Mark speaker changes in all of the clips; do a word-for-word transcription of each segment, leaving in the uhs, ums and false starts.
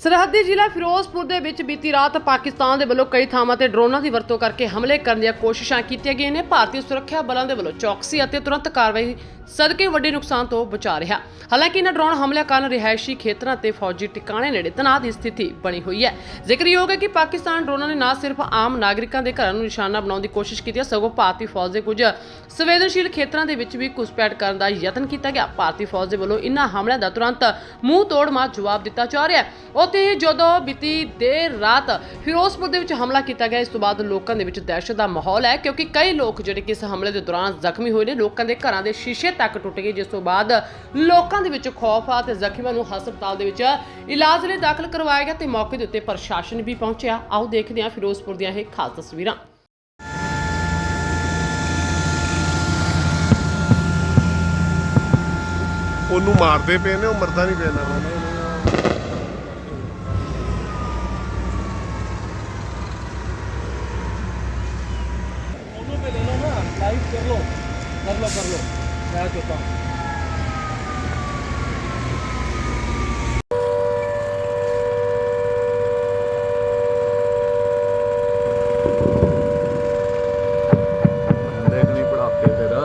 Speaker 1: सरहदी जिला फिरोजपुर ਦੇ ਵਿੱਚ ਬੀਤੀ ਰਾਤ ਪਾਕਿਸਤਾਨ ਦੇ ਵੱਲੋਂ ਕਈ ਥਾਵਾਂ ਤੇ ਡਰੋਨਾਂ ਦੀ ਵਰਤੋਂ ਕਰਕੇ ਹਮਲੇ ਕਰਨ ਦੀਆਂ ਕੋਸ਼ਿਸ਼ਾਂ ਕੀਤੀਆਂ ਗਈਆਂ ਨੇ। ਭਾਰਤੀ ਸੁਰੱਖਿਆ ਬਲਾਂ ਦੇ ਵੱਲੋਂ ਚੌਕਸੀ ਅਤੇ ਤੁਰੰਤ ਕਾਰਵਾਈ ਸਦਕੇ ਵੱਡੇ ਨੁਕਸਾਨ ਤੋਂ ਬਚਾ ਰਿਹਾ। ਹਾਲਾਂਕਿ ਇਹਨਾਂ ਡਰੋਨ ਹਮਲਿਆਂ ਕਾਰਨ ਰਿਹਾਇਸ਼ੀ ਖੇਤਰਾਂ ਤੇ ਫੌਜੀ ਟਿਕਾਣੇ ਨੇੜੇ ਤਣਾਅ ਦੀ ਸਥਿਤੀ ਬਣੀ ਹੋਈ ਹੈ। ਜ਼ਿਕਰਯੋਗ ਹੈ ਕਿ ਪਾਕਿਸਤਾਨ ਡਰੋਨਾਂ ਨੇ ਨਾ ਸਿਰਫ ਆਮ ਨਾਗਰਿਕਾਂ ਦੇ ਘਰਾਂ ਨੂੰ ਨਿਸ਼ਾਨਾ ਬਣਾਉਣ ਦੀ ਕੋਸ਼ਿਸ਼ ਕੀਤੀ ਹੈ, ਸਗੋਂ ਭਾਰਤੀ ਫੌਜ ਦੇ ਕੁਝ ਸੰਵੇਦਨਸ਼ੀਲ ਖੇਤਰਾਂ ਦੇ ਵਿੱਚ ਵੀ ਘੁਸਪੈਠ ਕਰਨ ਦਾ ਯਤਨ ਕੀਤਾ ਗਿਆ। ਭਾਰਤੀ ਫੌਜ ਦੇ ਵੱਲੋਂ ਇਹਨਾਂ ਹਮਲਿਆਂ ਦਾ ਤੁਰੰਤ ਮੂੰਹ ਤੋੜ ਮਾਰ ਜਵਾਬ ਦਿੱਤਾ ਜਾ ਰਿਹਾ ਹੈ। ਉੱਥੇ ਹੀ ਜਦੋਂ ਬੀਤੀ ਦੇਰ ਰਾਤ ਫਿਰੋਜ਼ਪੁਰ ਦੇ ਵਿੱਚ ਹਮਲਾ ਕੀਤਾ ਗਿਆ, ਇਸ ਤੋਂ ਬਾਅਦ ਲੋਕਾਂ ਦੇ ਵਿੱਚ ਦਹਿਸ਼ਤ ਦਾ ਮਾਹੌਲ ਹੈ, ਕਿਉਂਕਿ ਕਈ ਲੋਕ ਜਿਹੜੇ ਕਿ ਇਸ ਹਮਲੇ ਦੇ ਦੌਰਾਨ ਜ਼ਖਮੀ ਹੋਏ ਨੇ। ਲੋਕਾਂ ਦੇ ਘਰਾਂ ਦੇ ਸ਼ੀਸ਼ੇ ਤੱਕ ਟੁੱਟ ਗਏ, ਜਿਸ ਤੋਂ ਬਾਅਦ ਲੋਕਾਂ ਦੇ ਵਿੱਚ ਖੌਫ ਆ ਤੇ ਜ਼ਖਮੀਆਂ ਨੂੰ ਹਸਪਤਾਲ ਦੇ ਵਿੱਚ ਇਲਾਜ ਲਈ ਦਾਖਲ ਕਰਵਾਇਆ ਗਿਆ ਤੇ ਮੌਕੇ ਦੇ ਉੱਤੇ ਪ੍ਰਸ਼ਾਸਨ ਵੀ ਪਹੁੰਚਿਆ। ਆਓ ਦੇਖਦੇ ਹਾਂ ਫਿਰੋਜ਼ਪੁਰ ਦੀਆਂ ਇਹ ਖਾਸ ਤਸਵੀਰਾਂ।
Speaker 2: ਉਹਨੂੰ ਮਾਰਦੇ ਪਏ ਨੇ, ਉਹ ਮਰਦਾ ਨਹੀਂ ਪਿਆ ਨਾ।
Speaker 3: लाइव कर लो कर लो कर लो मैं चुका हूँ।
Speaker 2: नहीं पढ़ाते तेरा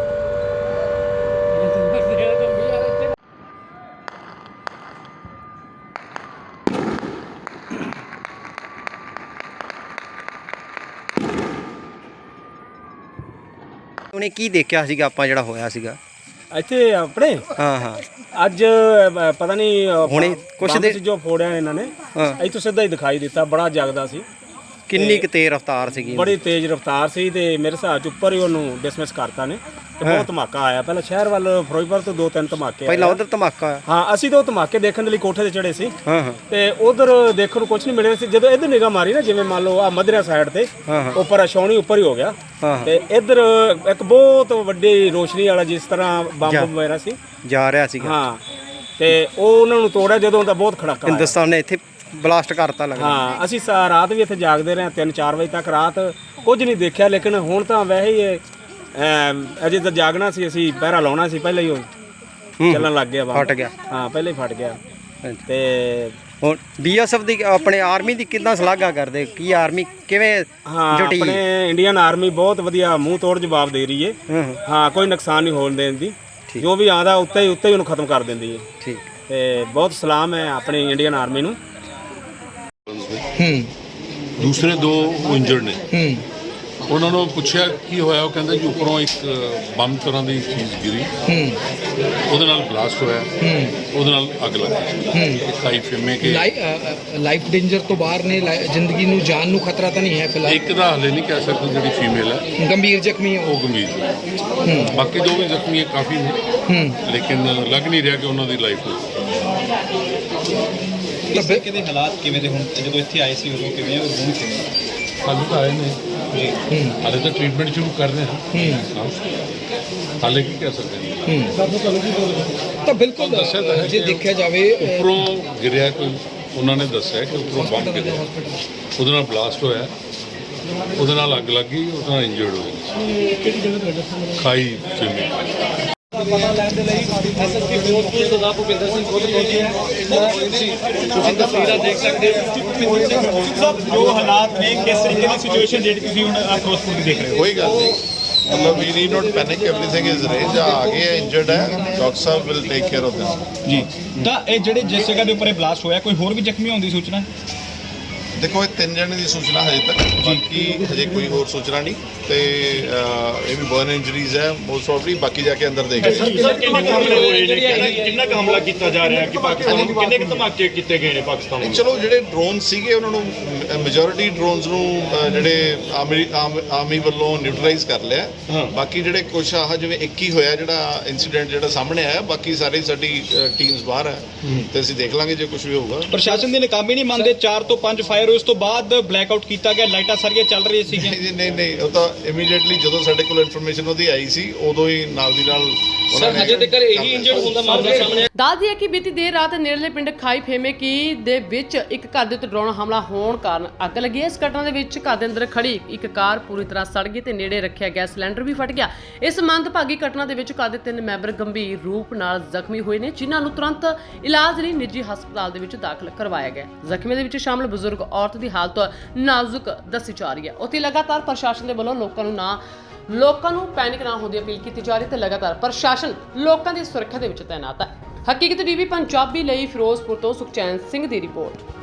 Speaker 4: ਉਹਨੇ ਕੀ ਦੇਖਿਆ ਸੀਗਾ ਆਪਾਂ ਜਿਹੜਾ ਹੋਇਆ ਸੀਗਾ
Speaker 3: ਇੱਥੇ ਆਪਣੇ
Speaker 4: ਹਾਂ ਹਾਂ
Speaker 3: ਅੱਜ ਅ, ਪਤਾ ਨਹੀਂ ਅ,
Speaker 4: ਹੁਣੇ ਕੁਛ
Speaker 3: ਬੰਬ
Speaker 4: ਦੇ-
Speaker 3: ਸੀ ਜੋ ਫੋੜਿਆ ਇਹਨਾਂ ਨੇ
Speaker 4: ਹਾਂ।
Speaker 3: ਇੱਥੋਂ ਸਿੱਧਾ ਹੀ ਦਿਖਾਈ ਦਿੱਤਾ, ਬੜਾ ਜਗਦਾ ਸੀ,
Speaker 4: ਕਿੰਨੀ ਕੁ ਤੇਜ਼ ਰਫ਼ਤਾਰ ਸੀਗੀ
Speaker 3: ਬੜੀ ਤੇਜ਼ ਰਫ਼ਤਾਰ ਸੀ ਤੇ ਮੇਰੇ ਹਿਸਾਬ ਚ ਉੱਪਰ ਹੀ ਉਹਨੂੰ ਡਿਸਮਿਸ ਕਰਤਾ ਨੇ ਤੇ ਬਹੁਤ ਧਮਾਕਾ ਆਇਆ। ਪਹਿਲਾਂ ਸ਼ਹਿਰ ਵੱਲ ਫਿਰੋਜ਼ਪੁਰ ਤੋਂ ਦੋ ਤਿੰਨ ਧਮਾਕੇ
Speaker 4: ਪਹਿਲਾਂ
Speaker 3: ਆਏ।
Speaker 4: ਉਧਰ ਧਮਾਕਾ ਹੋਇਆ।
Speaker 3: ਹਾਂ, ਅਸੀਂ ਤਾਂ ਉਹ ਧਮਾਕੇ ਦੇਖਣ ਦੇ ਲਈ ਕੋਠੇ ਤੇ ਚੜੇ ਸੀ
Speaker 4: ਹਾਂ ਹਾਂ
Speaker 3: ਤੇ ਉਧਰ ਦੇਖਣ ਨੂੰ ਕੁਝ ਨਹੀਂ ਮਿਲਿਆ ਸੀ। ਜਦੋਂ ਇੱਧਰ ਨਿਗਾਹ ਮਾਰੀ ਨਾ, ਜਿਵੇਂ ਮੰਨ ਲਓ ਆ ਮਧਰਾ ਸਾਈਡ ਤੇ
Speaker 4: ਹਾਂ ਹਾਂ
Speaker 3: ਉੱਪਰ ਛਾਉਣੀ ਉੱਪਰ ਹੀ ਹੋ ਗਿਆ
Speaker 4: ਹਾਂ ਹਾਂ।
Speaker 3: ਤੇ ਇੱਧਰ ਇੱਕ ਬਹੁਤ ਵੱਡੀ ਰੋਸ਼ਨੀ ਵਾਲਾ ਜਿਸ ਤਰ੍ਹਾਂ ਬੰਬ ਵਗੈਰਾ ਸੀ,
Speaker 4: ਜਾ ਰਿਹਾ ਸੀਗਾ।
Speaker 3: ਹਾਂ, ਤੇ ਉਹ ਉਹਨਾਂ ਨੂੰ ਤੋੜਿਆ ਜਦੋਂ ਤਾਂ ਬਹੁਤ ਖੜਾਕਾ ਆਇਆ।
Speaker 4: ਹਿੰਦੁਸਤਾਨ ਨੇ ਇੱਥੇ ਬਲਾਸਟ ਕਰਤਾ ਲੱਗਦਾ।
Speaker 3: ਹਾਂ, ਅਸੀਂ ਸਾ- ਰਾਤ ਵੀ ਇੱਥੇ ਜਾਗਦੇ ਰਹੇ, ਤਿੰਨ ਚਾਰ ਵਜੇ ਤੱਕ ਰਾਤ ਕੁਝ ਨਹੀਂ ਦੇਖਿਆ। ਲੇਕਿਨ ਹੁਣ ਤਾਂ ਵੈਸੇ ਹੀ ਇਹ, ਅਮ, ਅਜੇ ਤਾਂ ਜਾਗਣਾ ਸੀ, ਅਸੀਂ ਪਹਿਰਾ ਲਾਉਣਾ ਸੀ, ਪਹਿਲਾਂ ਹੀ ਉਹ ਚੱਲਣ ਲੱਗ ਗਿਆ ਬੰਬ।
Speaker 4: ਫਟ ਗਿਆ।
Speaker 3: ਹਾਂ, ਪਹਿਲਾਂ ਹੀ ਫਟ ਗਿਆ।
Speaker 4: ਹਾਂਜੀ।
Speaker 3: ਤੇ
Speaker 4: ਹੁਣ ਬੀਐਸਐਫ ਦੀ ਆਪਣੇ ਆਰਮੀ ਦੀ ਕਿੱਦਾਂ ਸ਼ਲਾਘਾ ਕਰਦੇ? ਕੀ ਆਰਮੀ ਕਿਵੇਂ
Speaker 3: ਹਾਂ,
Speaker 4: ਜੁਟੀ?
Speaker 3: ਆਪਣੇ ਇੰਡੀਅਨ ਆਰਮੀ ਬਹੁਤ ਵਧੀਆ ਮੂੰਹ ਤੋੜ ਜਵਾਬ ਦੇ ਰਹੀ ਹੈ।
Speaker 4: ਹਾਂ ਹਾਂ
Speaker 3: ਹਾਂ, ਕੋਈ ਨੁਕਸਾਨ ਨਹੀਂ ਹੋਣ ਦੇਣ ਦੀ,
Speaker 4: ਠੀਕ।
Speaker 3: ਜੋ ਵੀ ਆਉਂਦਾ ਉੱਤੇ ਹੀ ਉੱਤੇ ਹੀ ਉਹਨੂੰ ਖਤਮ ਕਰ ਦਿੰਦੀ ਹੈ।
Speaker 4: ਠੀਕ।
Speaker 3: ਤੇ ਬਹੁਤ ਸਲਾਮ ਹੈ ਆਪਣੀ ਇੰਡੀਅਨ ਆਰਮੀ ਨੂੰ।
Speaker 5: ਦੂਸਰੇ ਦੋ ਇੰਜਰਡ ਨੇ। ਉਹਨਾਂ ਨੂੰ ਪੁੱਛਿਆ ਕੀ ਹੋਇਆ, ਉਹ ਕਹਿੰਦਾ ਜੀ ਉੱਪਰੋਂ ਇੱਕ ਬੰਬ ਤਰ੍ਹਾਂ ਦੀ ਚੀਜ਼ ਗਿਰੀ, ਉਹਦੇ ਨਾਲ ਬਲਾਸਟ ਹੋਇਆ, ਉਹਦੇ ਨਾਲ ਅੱਗ ਲੱਗ ਗਈ। ਖਾਈ ਫਿਮੇ ਕੇ
Speaker 6: ਲਾਈਫ ਡੇਂਜਰ ਤੋਂ ਬਾਹਰ ਨੇ, ਲਾਈ- ਜ਼ਿੰਦਗੀ ਨੂੰ ਜਾਨ ਨੂੰ ਖਤਰਾ ਤਾਂ ਨਹੀਂ ਹੈ ਫਿਲਹਾਲ?
Speaker 5: ਇੱਕ ਦਾ ਹਲੇ ਨਹੀਂ ਕਹਿ ਸਕਦੇ, ਜਿਹੜੀ ਫੀਮੇਲ ਹੈ
Speaker 6: ਗੰਭੀਰ ਜ਼ਖਮੀ ਹੈ
Speaker 5: ਉਹ ਗੰਭੀਰ ਹੈ। ਬਾਕੀ ਜੋ ਵੀ ਜ਼ਖਮੀ ਹੈ ਕਾਫੀ ਨੇ, ਲੇਕਿਨ ਲੱਗ ਨਹੀਂ ਰਿਹਾ ਕਿ ਉਹਨਾਂ ਦੀ ਲਾਈਫ ਹੋ।
Speaker 6: ਤਾਂ ਫਿਰ
Speaker 7: ਕਿਹਦੇ ਹਾਲਾਤ ਕਿਵੇਂ ਦੇ ਹੁਣ, ਜਦੋਂ ਇੱਥੇ ਆਏ ਸੀ ਉਦੋਂ ਕਿਵੇਂ, ਔਰ ਹੁਣ ਕਿਵੇਂ?
Speaker 5: ਹਾਲੇ ਤਾਂ ਆਏ ਨੇ ਜੀ, ਹਾਲੇ ਤਾਂ ਟ੍ਰੀਟਮੈਂਟ ਸ਼ੁਰੂ ਕਰ ਰਹੇ ਹਾਂ। ਹਾਲੇ ਕੀ ਕਹਿ ਸਕਦੇ ਹਾਂ।
Speaker 6: ਤਾਂ ਬਿਲਕੁਲ
Speaker 5: ਦੱਸਿਆ ਤਾਂ ਹੈ
Speaker 6: ਜੇ
Speaker 5: ਕਿ
Speaker 6: ਦੇਖਿਆ ਜਾਵੇ
Speaker 5: ਉੱਪਰੋਂ ਗਿਰਿਆ, ਕੋਈ ਉਹਨਾਂ ਨੇ ਦੱਸਿਆ ਕਿ ਉੱਪਰੋਂ ਬੰਬ ਗਿਰਿਆ, ਉਹਦੇ ਨਾਲ ਬਲਾਸਟ ਹੋਇਆ, ਉਹਦੇ ਨਾਲ ਅੱਗ ਲੱਗ ਗਈ, ਉਹਦੇ ਨਾਲ ਇੰਜਰਡ ਹੋਏ। ਖਾਈ ਫਿਮੇ
Speaker 7: ਪਤਾ ਲੈਣ ਦੇ ਲਈ ਐਸਐਸਪੀ ਫਿਰੋਜ਼ਪੁਰ ਸਰਦਾਰ ਭੁਪਿੰਦਰ ਸਿੰਘ ਖੁਦ ਪਹੁੰਚੇ ਹੈ। ਤੁਸੀਂ ਤਸਵੀਰਾਂ ਦੇਖ ਸਕਦੇ ਹੋ ਜੋ ਹਾਲਾਤ ਨੇ, ਕਿਸ ਤਰੀਕੇ ਦੀ ਸਿਚੁਏਸ਼ਨ ਜਿਹੜੀ ਤੁਸੀਂ ਹੁਣ ਫਿਰੋਜ਼ਪੁਰ ਦੀ ਦੇਖ ਰਹੇ ਹੋ।
Speaker 8: ਕੋਈ ਗੱਲ ਨਹੀਂ, ਮਤਲਬ we need not panic, everything is arrange. ਆ ਗਏ ਇੰਜਰਡ ਹੈ, doctor sahib will take care of this
Speaker 7: ਜੀ, ਤਾਂ ਇਹ ਜਿਹੜੇ ਜਿਸ ਜਗ੍ਹਾ ਦੇ ਉੱਪਰ ਇਹ ਬਲਾਸਟ ਹੋਇਆ, ਕੋਈ ਹੋਰ ਵੀ ਜ਼ਖਮੀ ਹੋਣ ਦੀ ਸੂਚਨਾ?
Speaker 8: ਦੇਖੋ, ਇਹ ਤਿੰਨ ਜਣੇ ਦੀ ਸੂਚਨਾ ਹਜੇ ਤੱਕ, ਬਾਕੀ ਹਜੇ ਕੋਈ ਹੋਰ ਸੂਚਨਾ ਨਹੀਂ। ਤੇ ਇਹ ਵੀ ਬਰਨ ਇੰਜਰੀਜ਼ ਹੈ ਮੋਸਟ ਪ੍ਰੋਬਬਲੀ, ਬਾਕੀ ਜਾ ਕੇ ਅੰਦਰ ਦੇਖਦੇ ਹਾਂ।
Speaker 9: ਕਿੰਨਾ ਕੁ ਹਮਲਾ ਕੀਤਾ ਜਾ ਰਿਹਾ ਕਿ ਪਾਕਿਸਤਾਨ ਨੂੰ ਕਿੰਨੇ ਕੁ ਧਮਾਕੇ ਕੀਤੇ ਗਏ ਨੇ ਪਾਕਿਸਤਾਨ ਨੂੰ?
Speaker 8: ਚਲੋ, ਜਿਹੜੇ ਡਰੋਨ ਸੀਗੇ ਉਹਨਾਂ ਨੂੰ ਮੈਜੋਰਿਟੀ ਡਰੋਨਸ ਨੂੰ ਅ, ਜਿਹੜੇ ਆਰਮੀ ਆਰਮੀ ਵੱਲੋਂ ਨਿਊਟਰਲਾਈਜ਼ ਕਰ ਲਿਆ। ਬਾਕੀ ਜਿਹੜੇ ਕੁਛ ਆਹ ਜਿਵੇਂ ਇੱਕ ਹੀ ਹੋਇਆ ਜਿਹੜਾ ਇਨਸੀਡੈਂਟ ਜਿਹੜਾ ਸਾਹਮਣੇ ਆਇਆ, ਬਾਕੀ ਸਾਰੀ ਸਾਡੀ ਟੀਮਸ ਬਾਹਰ ਹੈ ਤੇ ਅਸੀਂ ਦੇਖ ਲਾਂਗੇ ਜੇ ਕੁਝ ਵੀ ਹੋਊਗਾ।
Speaker 7: ਪ੍ਰਸ਼ਾਸਨ ਦੀ ਨਾਕਾਮੀ ਨਹੀਂ ਮੰਨਦੇ? ਚਾਰ ਤੋਂ ਪੰਜ ਫਾਇਰ ਹੋਏ, ਉਸ ਤੋਂ ਬਾਅਦ ਬਲੈਕ ਆਊਟ ਕੀਤਾ ਗਿਆ, ਲਾਈਟਾਂ ਸਾਰੀਆਂ ਚੱਲ ਰਹੀਆਂ ਸੀਗੀਆਂ।
Speaker 8: ਨਹੀਂ ਨਹੀਂ ਨਹੀਂ, ਉਹ ਤਾਂ ਇਮੀਡੀਏਟਲੀ ਜਦੋਂ ਸਾਡੇ ਕੋਲ ਇਨਫੋਰਮੇਸ਼ਨ ਉਹਦੀ ਆਈ ਸੀ, ਉਦੋਂ ਹੀ ਨਾਲ ਦੀ ਨਾਲ
Speaker 7: ਸਰ ਹਜੇ ਤੱਕ ਇਹੀ ਇੰਜਰਡ ਹੁੰਦਾ ਮਾਮਲਾ ਸਾਹਮਣੇ
Speaker 1: ਦੱਸਦੀ ਹੈ ਕਿ ਬੀਤੀ ਦੇਰ ਰਾਤ ਨੇੜਲੇ ਪਿੰਡ ਖਾਈ ਫੇਮੇ ਕੀ ਦੇ ਵਿੱਚ ਇੱਕ ਘਰ ਦੇ ਉੱਤੇ ਡਰੋਨ ਹਮਲਾ ਹੋਣ ਕਾਰਨ ਅੱਗ ਲੱਗੀ ਹੈ। ਇਸ ਘਟਨਾ ਦੇ ਵਿੱਚ ਘਰ ਦੇ ਅੰਦਰ ਖੜੀ ਇੱਕ ਕਾਰ ਪੂਰੀ ਤਰ੍ਹਾਂ ਸੜ ਗਈ ਤੇ ਨੇੜੇ ਰੱਖਿਆ ਗੈਸ ਸਿਲੰਡਰ ਵੀ ਫਟ ਗਿਆ। ਇਸ ਮੰਦਭਾਗੀ ਘਟਨਾ ਦੇ ਵਿੱਚ ਘਰ ਦੇ ਤਿੰਨ ਮੈਂਬਰ ਗੰਭੀਰ ਰੂਪ ਨਾਲ ਜ਼ਖਮੀ ਹੋਏ ਨੇ, ਜਿਨ੍ਹਾਂ ਨੂੰ ਤੁਰੰਤ ਇਲਾਜ ਲਈ ਨਿੱਜੀ ਹਸਪਤਾਲ ਦੇ ਵਿੱਚ ਦਾਖਲ ਕਰਵਾਇਆ ਗਿਆ। ਜ਼ਖਮੀਆਂ ਦੇ ਵਿੱਚ ਸ਼ਾਮਲ ਬਜ਼ੁਰਗ ਔਰਤ ਦੀ ਹਾਲਤ ਨਾਜ਼ੁਕ ਦੱਸੀ ਜਾ ਰਹੀ ਹੈ। ਉੱਥੇ ਲਗਾਤਾਰ ਪ੍ਰਸ਼ਾਸਨ ਦੇ ਵੱਲੋਂ ਲੋਕਾਂ ਨੂੰ ਨਾ ਲੋਕਾਂ ਨੂੰ ਪੈਨਿਕ ਨਾ ਹੋਣ ਦੀ ਅਪੀਲ ਕੀਤੀ ਜਾ ਰਹੀ ਤੇ ਲਗਾਤਾਰ ਪ੍ਰਸ਼ਾਸਨ ਲੋਕਾਂ ਦੀ ਸੁਰੱਖਿਆ ਦੇ ਵਿੱਚ ਤੈਨਾਤ ਹੈ। ਹਕੀਕਤ ਟੀਵੀ ਪੰਜਾਬੀ ਲਈ ਫਿਰੋਜ਼ਪੁਰ ਤੋਂ ਸੁਖਚੈਨ ਸਿੰਘ ਦੀ ਰਿਪੋਰਟ।